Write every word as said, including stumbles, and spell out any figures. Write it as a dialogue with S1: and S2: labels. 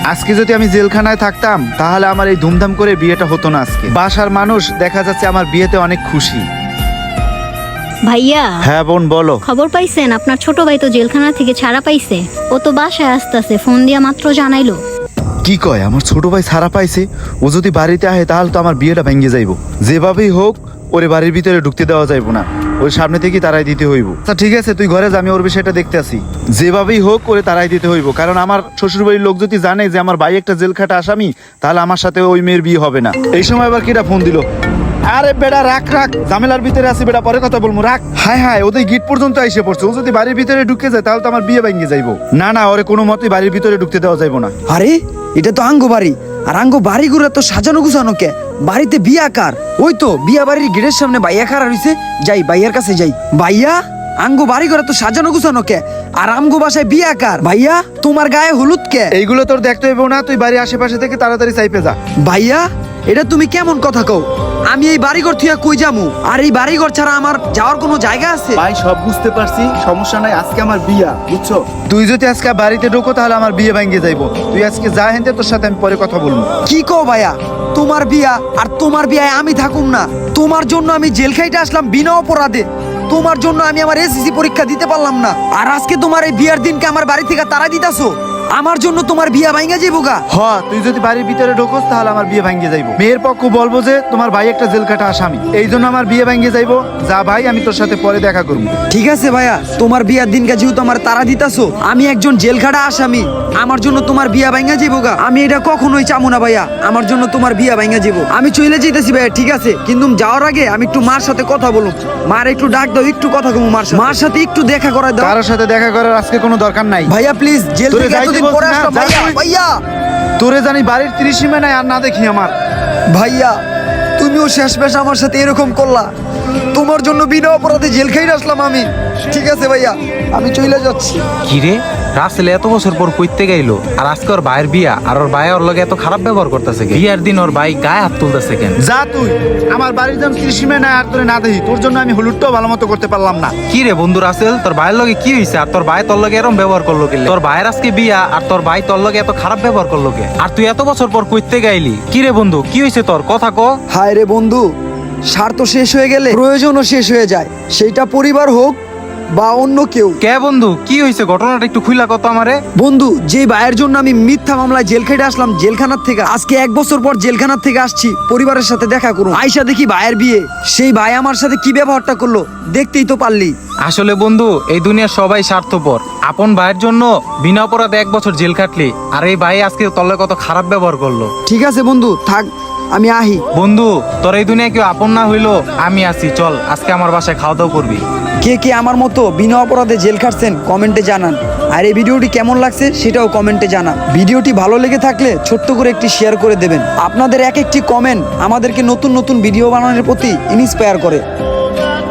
S1: আজকে যদি আমি জেলখানায় থাকতাম তাহলে আমার এই ধুমধাম করে বিয়েটা হতো না। আজকে বাসার মানুষ দেখা যাচ্ছে আমার বিয়েতে অনেক খুশি।
S2: ভাইয়া,
S1: হ্যাঁ বোন বলো।
S2: খবর পাইছেন আপনার ছোট ভাই তো জেলখানা থেকে ছাড়া পাইছে। ও তো বাসায় আসতেছে, ফোন দিয়া মাত্র জানাইলো।
S1: কি কয় আমার ছোট ভাই ছাড়া পাইছে? ও যদি বাড়িতে আহে তাহলে তো আমার বিয়েটা ভেঙে যাইব। যেভাবেই হোক ওরে বাড়ির ভিতরে ঢুকতে দেওয়া যাইব না, ওই সামনে থেকে তারাই দিতে হইব। তা ঠিক আছে তুই ঘরে যা, আমি ওর বিষয়টা দেখতে আসি। যেভাবেই হোক করে তারাই দিতে হইব, কারণ আমার শ্বশুর বাড়ির লোক যদি জানে যে আমার ভাই একটা জেল খাটা আসামি, তাহলে আমার সাথে ওই মেয়ের বিয়ে হবে না। এই সময় আবার কিটা ফোন দিল। আরে বেটা রাখ রাখ, ঝামেলার ভিতরে আছি বেটা, পরে কথা বলবো, রাখ। হায় হায়, ওদের গিট পর্যন্ত এসে পড়ছে। ও যদি বাড়ির ভিতরে ঢুকে যায় তাহলে তো আমার বিয়ে ভেঙে যাইব। না না, ওরে কোনো মতেই বাড়ির ভিতরে ঢুকতে দেওয়া যাইব না।
S3: আরে এটা তো আঙ্গো বাড়ি, আর আঙ্গো বাড়ি ঘুরে তো সাজানো গুছানো কে? বাড়িতে বিয়া কার? ওই তো বিয়া বাড়ির গেটের সামনে বাইয়া খাড়া রইছে। যাই বাইয়ার কাছে যাই। বাইয়া, আঙ্গো বাড়ি ঘরে তো সাজানো গুছানো কে, আর আমগো বাসায় বিয়া কার? ভাইয়া তোমার গায়ে হলুদ কে?
S1: এইগুলো তোর দেখতে হইব না, তুই বাড়ির আশেপাশে থেকে তাড়াতাড়ি চাইপে যা।
S3: ভাইয়া এটা তুমি কেমন কথা কও? আমি এই বাড়িঘর থুয়া কই যামু? আর এই বাড়িঘর ছাড়া আমার যাওয়ার কোনো জায়গা আছে?
S1: ভাই সব বুঝতে পারছি, সমস্যা নাই। আজকে আমার বিয়া, বুঝছো? তুই যদি আজকে বাড়িতে ঢোকো তাহলে আমার বিয়ে ভেঙে যাইবো। তুই আজকে যা হেনতে, তোর সাথে আমি পরে কথা বলবো।
S3: কি কও ভাইয়া? তোমার বিয়া আর তোমার বিয়ায় আমি থাকুম না? তোমার জন্য আমি জেল খাইতে আসলাম বিনা অপরাধে। তোমার জন্য আমি আমার এসএসসি পরীক্ষা দিতে পারলাম না, আর আজকে তোমার এই বিয়ার দিনকে আমার বাড়ি থেকে তাড়াই দিতাছো। আমার জন্য তোমার বিয়া ভাঙা যাইবো গা?
S1: হ, তুই যদি বাড়ির ভিতরে ঢোকোস তাহলে আমার বিয়ে ভেঙে যাইবো। মেয়ের পক্ষ বলবো যে তোমার ভাই একটা জেল কাটা আসামি, এই জন্য আমার বিয়ে ভেঙে যাইবো। যা ভাই, আমি তোর সাথে পরে দেখা করবো।
S3: ঠিক আছে ভাইয়া, তোমার বিয়ার দিনকে যেহেতু আমার তারা দিতাছো, আমি একজন জেলখাটা আসামি, আমার জন্য তোমার বিয়া ভাঙা যাইবো গা? আমি এটা কখনোই চামু না ভাইয়া, আমার জন্য তোমার বিয়া ভাঙা যাবো। আমি চলে যেতেছি ভাইয়া, ঠিক আছে? কিন্তু যাওয়ার আগে আমি একটু মার সাথে কথা বলুম। মার একটু ডাক দাও, একটু কথা কমু মার সাথে। মার সাথে একটু দেখা করাই দাও।
S1: কারোর সাথে দেখা করার আজকে কোনো দরকার নাই
S3: ভাইয়া প্লিজ, জেল
S1: তোরে
S3: থেকে
S1: যাইতে
S3: এতদিন
S1: বলছি
S3: পরে
S1: না,
S3: আসলাম
S1: যা
S3: ভাইয়া।
S1: তুই।
S3: ভাইয়া
S1: তোরে জানি বাড়ির ত্রিসীমা নাই আর না দেখি আমার।
S3: ভাইয়া তুমিও শেষ পেশ আমার সাথে এরকম করলা। তোমার জন্য বিনা অপরাধে জেল খাইতে আসলাম আমি। ঠিক আছে ভাইয়া, আমি চলে যাচ্ছি।
S4: কিরে রাসেল এত বছর পর কইতে গাইলো, আর আজকে ওর ভাইয়ের বিয়া, আর ওর ভাই ওর লগে এত খারাপ ব্যবহার করতেছে কেন? বিয়ার দিন ওর ভাই গায়ে হাত তুলতেছে কেন?
S1: যা তুই, আমার বাড়ির যেন ত্রিসীমা নাই আর তোরে না দেখি। তোর জন্য আমি হলুদটাও ভালো মতো করতে পারলাম না।
S4: কি রে বন্ধু রাসেল, তোর ভাইয়ের লগে কি হইছে? আর তোর ভাই তোর লগে এরকম ব্যবহার করলো কি? তোর ভাইয়ের আজকে বিয়া, আর তোর ভাই তোর লগে এত খারাপ ব্যবহার করলো কে? আর তুই এত বছর পর কইতে গাইলি। কি রে বন্ধু, কি হইছে তোর? কথা ক।
S3: হায় রে বন্ধু, স্বার্থ শেষ হয়ে গেলে প্রয়োজনও শেষ হয়ে যায়, সেইটা পরিবার হোক বা অন্য কেউ।
S4: কে বন্ধু, কি হইছে? ঘটনাটা একটু খুইলা কত আমারে।
S3: বন্ধু, যে ভাইয়ের জন্য আমি মিথ্যা মামলায় জেল খেটে আসলাম জেলখানার থেকে, আজকে এক বছর পর জেলখানার থেকে আসছি পরিবারের সাথে দেখা করুন। আয়সা দেখি ভাইয়ের বিয়ে। সেই ভাই আমার সাথে কি ব্যবহারটা করলো দেখতেই তো পারলি।
S4: আসলে বন্ধু, এই দুনিয়ার সবাই স্বার্থপর। আপন ভাইয়ের জন্য বিনা অপরাধে এক বছর জেল খাটলি, আর এই ভাই আজকে তোর লগে কত খারাপ ব্যবহার করলো।
S3: ঠিক আছে বন্ধু, থাক, আমি আহি।
S4: বন্ধু, তোর এই দুনিয়া কেউ আপন না হইলো আমি আছি, চল আজকে আমার বাসায় খাওয়া দাওয়া করবি।
S3: কে কে আমার মতো বিনা অপরাধে জেল খাটছেন কমেন্টে জানান, আর এই ভিডিওটি কেমন লাগছে সেটাও কমেন্টে জানান। ভিডিওটি ভালো লেগে থাকলে ছোট্ট করে একটি শেয়ার করে দেবেন। আপনাদের এক একটি কমেন্ট আমাদেরকে নতুন নতুন ভিডিও বানানোর প্রতি ইন্সপায়ার করে।